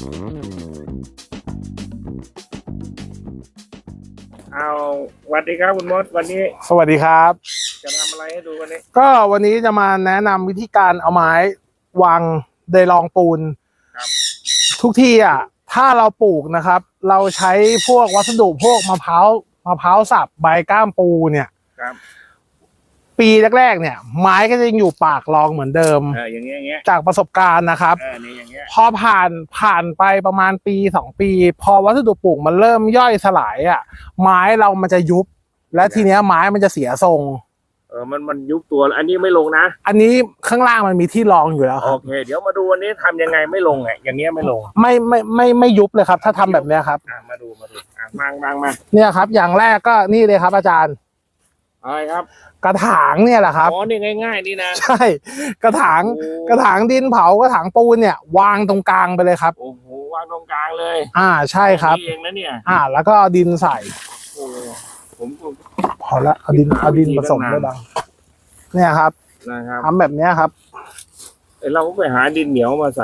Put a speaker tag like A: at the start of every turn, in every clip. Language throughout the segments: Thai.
A: เอาสวัสดีครับคุณมดวันนี้
B: สวัสดีครับ
A: จะทำอะไรให้ดูวันนี้
B: ก็วันนี้จะมาแนะนำวิธีการเอาไม้วางเดยรองปูนทุกที่อ่ะถ้าเราปลูกนะครับเราใช้พวกวัสดุพวกมะพร้าวสับใบก้ามปูเนี่ยปีแรกๆเนี่ยไม้ก็จะยังอยู่ปากรองเหมือนเดิม
A: อย่างเงี้ย
B: จากประสบการณ์นะครับ
A: นี่อย่างเงี้ย
B: พอผ่านไปประมาณปี2 ปีพอวัสดุปลูกมันเริ่มย่อยสลายอ่ะไม้เรามันจะยุบและทีเนี้ยไม้มันจะเสียทรง
A: มันยุบตัวอันนี้ไม่ลงนะ
B: อันนี้ข้างล่างมันมีที่รองอยู่แล้วครับ
A: โอเคเดี๋ยวมาดูวันนี้ทำยังไงไม่ลงอย่างเงี้ยไม่ลง
B: ไม่ยุบเลยครับถ้าทำแบบเนี้ยครับ
A: มาดูมา
B: เนี่ยครับอย่างแรกก็นี่เลยครับอาจารย์
A: อะไรครับ
B: กระถางเนี่ยแหละครับ
A: อ๋อนี่ง่ายๆนี่นะ
B: ใช่กระถางดินเผากระถางปูนเนี่ยวางตรงกลางไปเลยครับ
A: โอ้โหวางตรงกลางเลย
B: ใช่ครับ
A: เองนะเนี่ย
B: แล้วก็ดินใส่
A: ผม
B: พอละเอาดินผสมด้วยบ้างเนี่ยครับทำแบบเนี้ยครับ
A: เราก็ไปหาดินเหนียวมาใส่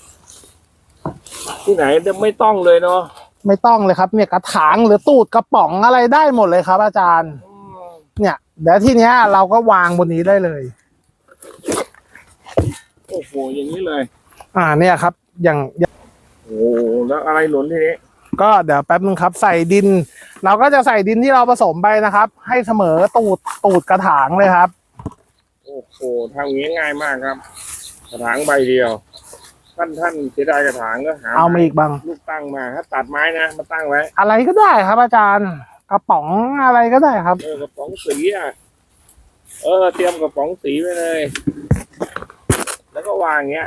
A: ที่ไหนไม่ต้องเลยเนาะ
B: ไม่ต้องเลยครับเนี่ยกระถางหรือตูดกระป๋องอะไรได้หมดเลยครับอาจารย์เนี่ยเดี๋ยวทีเนี้ยเราก็วางบนนี้ได้เลย
A: โอ้โหอย่างนี้เลย
B: เนี่ยครับอย่าง
A: โอ้แล้วอะไรหนุนทีนี้
B: ก็เดี๋ยวแป๊บนึงครับใส่ดินเราก็จะใส่ดินที่เราผสมไปนะครับให้เสมอตูดกระถางเลยครับ
A: โอ้โหทำงี้ง่ายมากครับกระถางใบเดียวท่านเสียดายกระถางก็หา
B: เอามาอีกบ้าง
A: ลูกตั้งมาถ้าตัดไม้นะมาตั้งไว้
B: อะไรก็ได้ครับอาจารย์กระป๋องอะไรก็ได้ครับ
A: กระป๋องสีเตรียมกระป๋องสีไว้เลยแล้วก็วางเงี้ย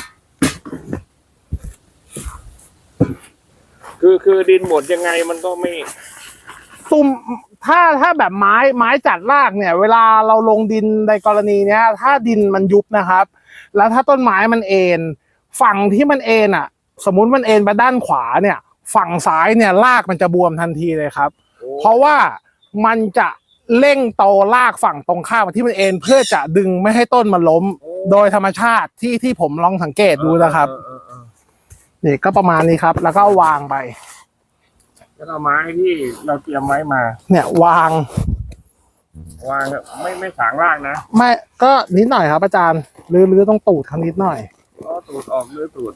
A: คือดินหมดยังไงมันก็ไม่
B: ซุ่มถ้าแบบไม้จัดรากเนี่ยเวลาเราลงดินในกรณีเนี้ยถ้าดินมันยุบนะครับแล้วถ้าต้นไม้มันเอ็นฝั่งที่มันเอ็นสมมุติมันเอ็นไปด้านขวาเนี่ยฝั่งซ้ายเนี่ยรากมันจะบวมทันทีเลยครับเพราะว่ามันจะเร่งโตรากฝั่งตรงข้ามที่มันเอ็นเพื่อจะดึงไม่ให้ต้นมันล้มโดยธรรมชาติที่ผมลองสังเกตดูนะครับนี่ก็ประมาณนี้ครับแล้วก็วางไป
A: แล้วเอาไม้ที่เราเตรียมไว้มา
B: เนี่ยวาง
A: ไม่สางรากนะ
B: ไม่ก็นิดหน่อยครับอาจารย์ลื้อต้องตูดคำนิดหน่อย
A: ตูดออกลื้อตูด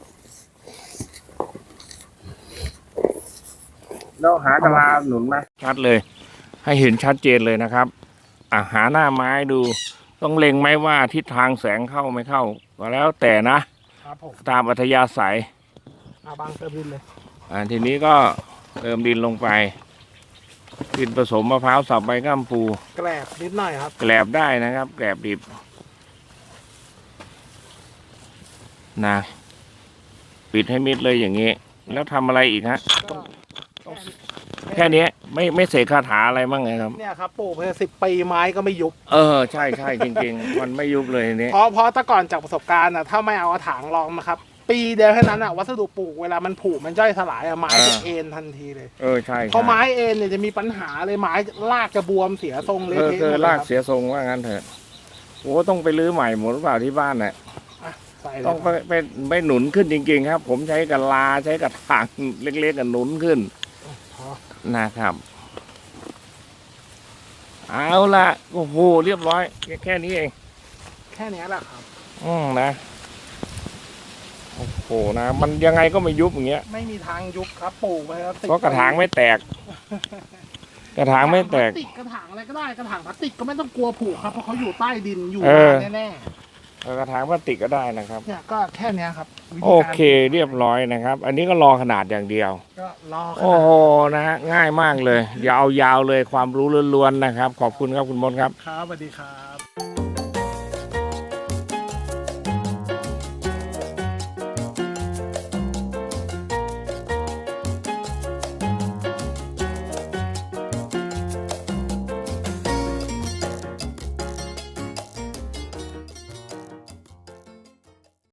A: แล้วหากะลาหนุนไหมชัดเลยให้เห็นชัดเจนเลยนะครับหาหน้าไม้ดูต้องเล็งไหมว่าทิศทางแสงเข้าไม่เข้าก็แล้วแต่นะครับผมตามอัธยาศัย
B: บางเติมดินเลย
A: ทีนี้ก็เติมดินลงไปดินผสมมะพร้าวสับใบก้ามปู
B: แกลบนิดหน่อยครับ
A: แกลบได้นะครับแกลบดิบนะปิดให้มิดเลยอย่างนี้แล้วทำอะไรอีกฮะแค่นี้ไม่เสกคาถาอะไรบ้างไงครับ
B: เนี่ยครับปลูกไป10 ปีไม้ก็ไม่ยุบ
A: ใช่จริงๆมันไม่ยุบเลยนี้
B: เพราะแต่ก่อนจากประสบการณ์ถ้าไม่เอากระถางรองนะครับปีเดียวแค่นั้นวัสดุปลูกเวลามันผุมันย่อยสลายไม้จะเอ็นทันทีเลย
A: ใช่
B: พอไม้เอ็นเนี่ยจะมีปัญหาเลยไม้รากจะบวมเสียทรงเลย
A: รากเสียทรงว่างั้นเถอะโอ้ต้องไปรื้อใหม่หมดหรือเปล่าที่บ้านเนี่ยต้องไปหนุนขึ้นจริงๆครับผมใช้กะลาใช้กระถางเล็กๆกันหนุนขึ้นนะครับเอาละโอ้โหเรียบร้อยแค่นี้เอง
B: แค่นี้แหละครับ
A: นะโอ้โหนะมันยังไงก็ไม่ยุบอย่างเงี้ย
B: ไม่มีทางยุบครับปลูกไปครับ
A: เพราะกระถางไม่แตกกระถางไม่แตก
B: กระถางอะไรก็ได้กระถางพลาสติกก็ไม่ต้องกลัวผุครับเพราะเขาอยู่ใต้ดินอยู่แน่
A: กระถางพลาสติกก็ได้นะครับ
B: เนี่ยก็แค่นี้ครับ
A: โอเคเรียบร้อยนะครับอันนี้ก็รอขนาดอย่างเดียว
B: ก็รอ
A: โอ้โหนะฮะง่ายมากเลยยาวๆเลยความรู้ล้วนๆนะครับขอบคุณครับคุณมดครับ
B: ครับสวัสดีครับ